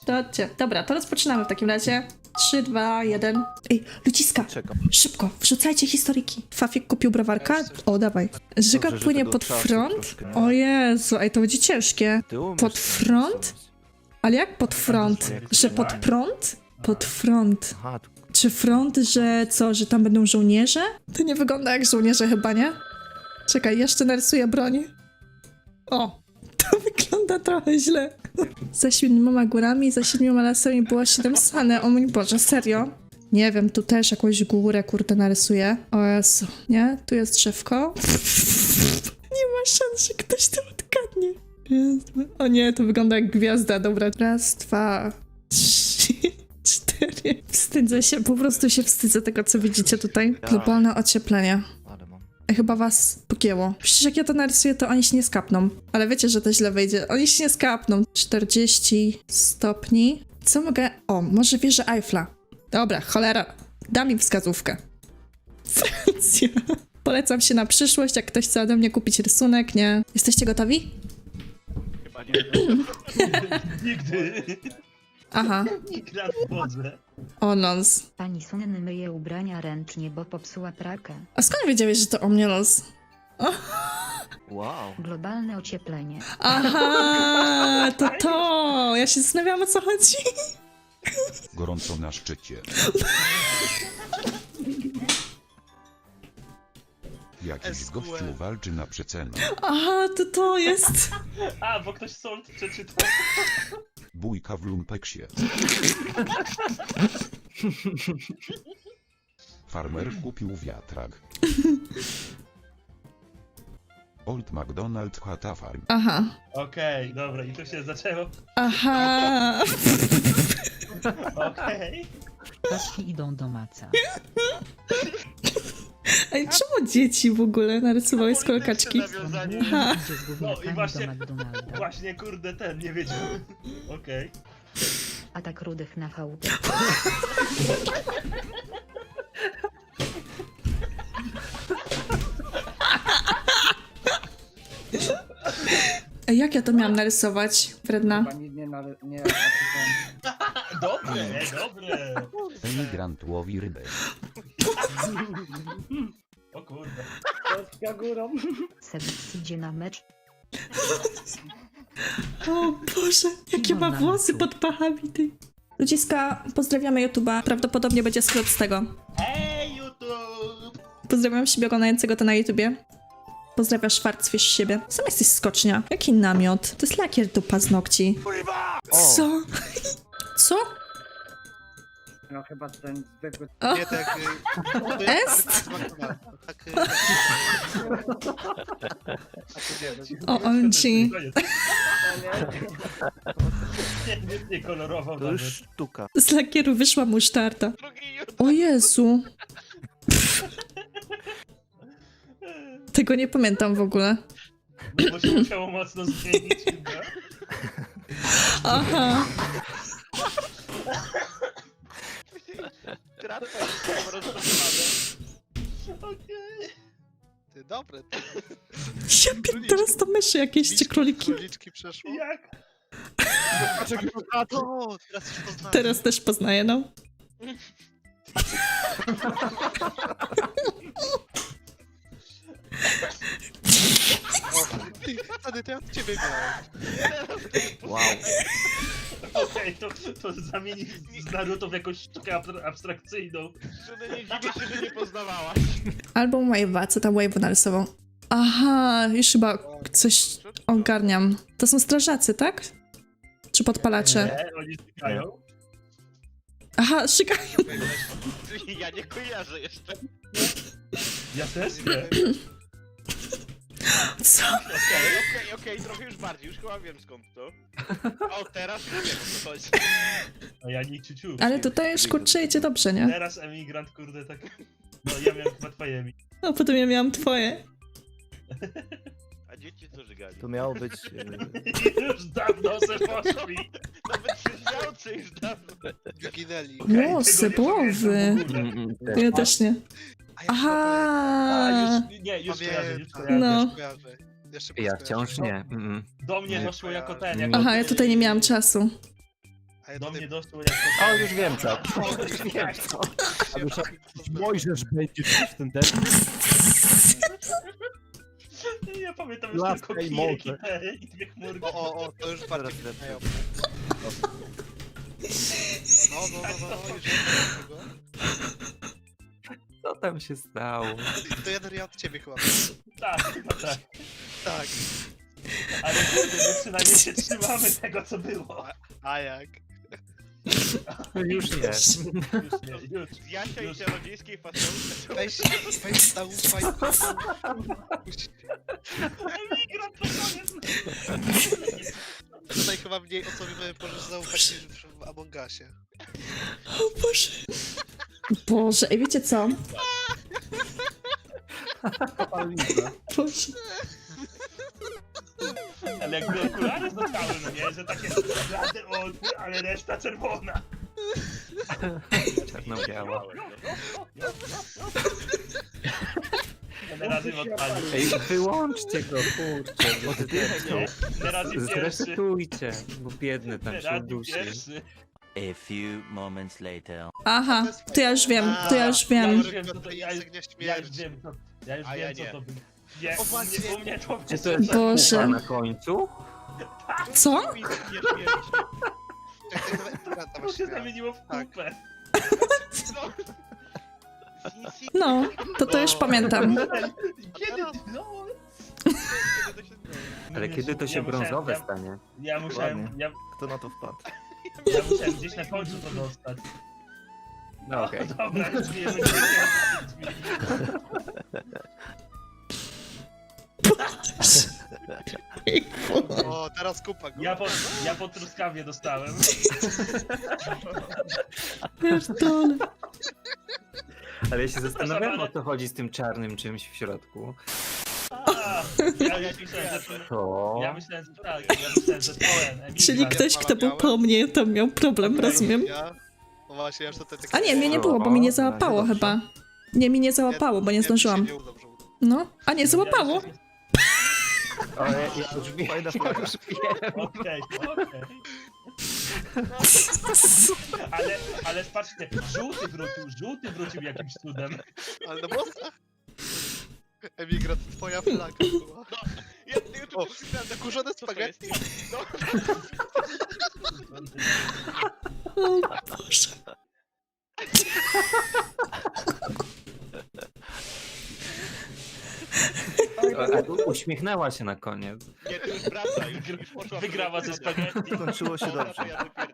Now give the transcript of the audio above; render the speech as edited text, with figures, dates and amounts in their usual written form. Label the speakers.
Speaker 1: To chodźcie. Dobra, to rozpoczynamy w takim razie. 3, 2, 1. Ej, ludziska,
Speaker 2: Czekam.
Speaker 1: szybko, wrzucajcie historyki. Fafik kupił browarka? O, dawaj. Żyga
Speaker 2: Dobrze, że
Speaker 1: płynie
Speaker 2: tego
Speaker 1: pod
Speaker 2: czasu
Speaker 1: front?
Speaker 2: troszkę nie
Speaker 1: O
Speaker 2: ma.
Speaker 1: Jezu, ej, to będzie ciężkie.
Speaker 2: Ty umiesz
Speaker 1: Pod
Speaker 2: to
Speaker 1: front?
Speaker 2: narysować.
Speaker 1: Ale jak pod front? Że pod prąd? Pod front.
Speaker 2: Aha, tu
Speaker 1: Czy front, że co, że tam będą żołnierze? To nie wygląda jak żołnierze chyba, nie? Czekaj, jeszcze narysuję broń. O, to wygląda trochę źle. Za 7 górami, za 7 lasami było 7 sane. O mój Boże, serio? Nie wiem, tu też jakąś górę, kurde, narysuję. O Jezu, nie? Tu jest drzewko. Nie ma szans, że ktoś to odgadnie. Jezu. O nie, to wygląda jak gwiazda. Dobra, raz, 2, 3, 4. Wstydzę się, po prostu się wstydzę tego, co widzicie tutaj. Globalne ocieplenie.
Speaker 2: ale mam.
Speaker 1: Chyba was pogięło. Przecież jak ja to narysuję, to oni się nie skapną. Ale wiecie, że to źle wyjdzie. Oni się nie skapną. 40 stopni. Co mogę... O, może wieżę Eiffla. Dobra, cholera. Dam im wskazówkę. Francja. Polecam się na przyszłość, jak ktoś chce ode mnie kupić rysunek, nie? Jesteście gotowi?
Speaker 3: Chyba nie. Nigdy.
Speaker 1: Aha.
Speaker 3: Nigdy na wodze.
Speaker 1: O, nons.
Speaker 4: Pani Sunny myje ubrania ręcznie, bo popsuła pralkę.
Speaker 1: A skąd wiedziałeś, że to o mnie los?
Speaker 2: Wow.
Speaker 4: Globalne ocieplenie.
Speaker 1: Aha, to. Ja się zastanawiałam, o co chodzi.
Speaker 5: Gorąco na szczycie. Jakiś gościu walczy na przecenę.
Speaker 1: Aha, to jest.
Speaker 3: A, bo ktoś sold przeczytał.
Speaker 5: Bójka w lumpeksie. Farmer kupił wiatrak. Old MacDonald Hata Farm.
Speaker 1: Aha.
Speaker 3: Okej, dobra, i to się zaczęło.
Speaker 1: Aha.
Speaker 3: Okej.
Speaker 4: Kaski idą do maca.
Speaker 1: Ej, czemu dzieci w ogóle narysowały z kolkaczki?
Speaker 3: Nawiązanie.
Speaker 1: Aha.
Speaker 4: Idzie z
Speaker 3: No i
Speaker 4: gówniakami
Speaker 3: właśnie-
Speaker 4: do McDonalda.
Speaker 3: Właśnie, kurde, ten, nie wiedział. Okej.
Speaker 4: Atak rudych na chałupę.
Speaker 1: Ej, jak ja to miałam narysować, Wredna?
Speaker 6: Chyba nie
Speaker 3: Dobre, dobre.
Speaker 5: Emigrant łowi rybę.
Speaker 3: O kurde.
Speaker 6: Polska górą.
Speaker 4: Sebis idzie na mecz.
Speaker 1: O Boże, jakie ma włosy pod pachami, ty. Ludziska, pozdrawiamy YouTube'a. Prawdopodobnie będzie skrót z tego.
Speaker 3: Hej, YouTube!
Speaker 1: Pozdrawiam siebie oglądającego to na YouTubie. Pozdrawiam Schwarzfish siebie. Sam jesteś skocznia. Jaki namiot? To jest lakier do paznokci. Co? Co?
Speaker 6: No chyba ten zwykły...
Speaker 1: O,
Speaker 7: Nie tak.
Speaker 1: Est?
Speaker 7: Tak.
Speaker 1: O, OMG.
Speaker 3: Nie kolorował
Speaker 2: To
Speaker 3: nawet.
Speaker 2: już sztuka.
Speaker 1: Z lakieru wyszła musztarda. O Jezu. Tego nie pamiętam w ogóle.
Speaker 3: No bo się musiało mocno zmienić chyba.
Speaker 1: Aha.
Speaker 7: Kratka jest rozpoczynane.
Speaker 3: Okej.
Speaker 7: Ty, dobre.
Speaker 1: Ja teraz to myszy jakieś czy króliki.
Speaker 7: Króliczki przeszło.
Speaker 3: Jak?
Speaker 7: O, teraz już poznałem.
Speaker 1: Teraz też poznaję, no.
Speaker 7: Ty, wtedy to ja od ciebie miałem.
Speaker 2: Wow.
Speaker 3: Okej, to zamieni z Naruto w jakąś sztukę abstrakcyjną.
Speaker 7: Żony nie dziwię się, że nie poznawałaś.
Speaker 1: Album Wave'a, co tam Wave'u narysował? Aha, już chyba coś ogarniam. To są strażacy, tak? Czy podpalacze?
Speaker 3: Nie, oni stykają.
Speaker 1: Aha, szykają.
Speaker 7: Ja nie kojarzę jeszcze.
Speaker 3: Ja też nie.
Speaker 1: Co?
Speaker 7: Okej, trochę już bardziej, już chyba wiem skąd to. O, teraz już wiem o co chodzi.
Speaker 3: A ja nie ciuciu.
Speaker 1: Ale tutaj już kurczę idzie dobrze, nie?
Speaker 3: Teraz emigrant, kurde, tak... No ja miałem chyba twojemi.
Speaker 1: A potem ja miałam twoje.
Speaker 7: A dzieci co żygali?
Speaker 2: To miało być...
Speaker 3: Już dawno se poszli.
Speaker 7: Nawet świący już dawno. Wyginęli.
Speaker 1: Włosy, głowy. Ja też nie. Aha.
Speaker 3: A, już, nie, już kojarzę, już kojarzę.
Speaker 1: No.
Speaker 2: Ja wciąż nie.
Speaker 3: Do mnie
Speaker 7: Nie
Speaker 3: doszło jako ten,
Speaker 7: kojarzę.
Speaker 3: jako...
Speaker 1: Aha, ja tutaj nie miałam czasu.
Speaker 2: A ja
Speaker 3: Do
Speaker 2: tutaj...
Speaker 3: mnie doszło jak
Speaker 8: O, już wiem co. Już wiem co. A dusza, Mojżesz będzie w ten ten.
Speaker 3: Ja pamiętam już
Speaker 8: Laska
Speaker 3: tylko
Speaker 8: i
Speaker 3: kijek
Speaker 8: morze.
Speaker 3: i dwie chmurki.
Speaker 2: O, to już bardziej wpływają. No, już wiem tego.
Speaker 8: Co tam się stało?
Speaker 2: To ja od ciebie chyba.
Speaker 3: Tak, chyba tak.
Speaker 2: Tak.
Speaker 3: Ale kurde, my przynajmniej się trzymamy tego, co było.
Speaker 2: A jak?
Speaker 8: Już nie.
Speaker 3: Już nie, już.
Speaker 7: Z Jasia i
Speaker 3: Już.
Speaker 7: czarodziejskiej fasolki.
Speaker 2: Weź zaufaj.
Speaker 3: Emigrant to koniec.
Speaker 2: Tutaj chyba mniej osobie możesz zaufać niż w Among Usie.
Speaker 1: O Boże. Boże, i wiecie co? Boże.
Speaker 3: Ale jakby okulary zostały, no nie? Że takie blade oczy, ale reszta czerwona.
Speaker 8: Czarno-biała.
Speaker 3: Będę razy odpalił.
Speaker 8: Ej, wyłączcie go, kurczę. Oddychaj.
Speaker 3: Nie razy pierwszy.
Speaker 8: Zresetujcie, bo biedny tam
Speaker 3: Nie
Speaker 8: się
Speaker 3: razy
Speaker 8: udusi.
Speaker 3: pierwszy.
Speaker 9: A few moments later.
Speaker 1: Aha, to ja już wiem, to ja już
Speaker 3: Ja
Speaker 1: wiem.
Speaker 3: już wiem, co to
Speaker 2: Ja
Speaker 3: ja już
Speaker 2: śmierci.
Speaker 3: wiem, co ja już
Speaker 7: A ja
Speaker 3: wiem, co
Speaker 7: nie.
Speaker 3: to było. Nie,
Speaker 2: O, właśnie.
Speaker 3: u mnie to
Speaker 8: Czy to jest
Speaker 1: Boże.
Speaker 8: kupa na końcu?
Speaker 1: Co?
Speaker 7: Nie śmierci.
Speaker 3: To się zamieniło w
Speaker 2: Tak.
Speaker 3: kupę.
Speaker 1: No, to już pamiętam.
Speaker 3: Kiedy? No.
Speaker 8: Ale kiedy to się brązowe stanie?
Speaker 3: Ja musiałem,
Speaker 8: Kto na to wpadł?
Speaker 3: ja musiałem gdzieś na końcu to dostać.
Speaker 8: No okej.
Speaker 3: Dobra, już wiemy,
Speaker 2: O, teraz kupa go.
Speaker 3: ja po truskawie dostałem.
Speaker 1: Pierdolę.
Speaker 8: Ale ja się zastanawiam, o co chodzi z tym czarnym czymś w środku.
Speaker 3: A, ja myślałem, że
Speaker 8: To...
Speaker 3: ja myślałem, że tak, ja myślałem, że pełen.
Speaker 1: Czyli ktoś, kto był po mnie, to miał problem, rozumiem.
Speaker 2: Ja? No właśnie, aż tutaj tak...
Speaker 1: A nie, mnie nie było, bo mi nie załapało chyba. Nie, mi nie załapało, bo nie zdążyłam.
Speaker 2: Nie uda, że uda.
Speaker 1: No, a nie, załapało.
Speaker 8: O, ja już wiem, ja już wiem.
Speaker 3: Okej. Ale patrzcie, żółty wrócił jakimś cudem.
Speaker 2: Ale na bossach? Emigrat, twoja flaga była.
Speaker 7: Ja tu
Speaker 2: O,
Speaker 7: przeczytałem,
Speaker 2: zakurzone
Speaker 7: co to jest?
Speaker 2: spaghetti.
Speaker 1: O Boże.
Speaker 8: Uśmiechnęła się na koniec.
Speaker 7: Nie, to już wraca, już poszła.
Speaker 3: Wygrała ze spaghetti.
Speaker 8: Skończyło się dobrze.
Speaker 7: Ja dopiero.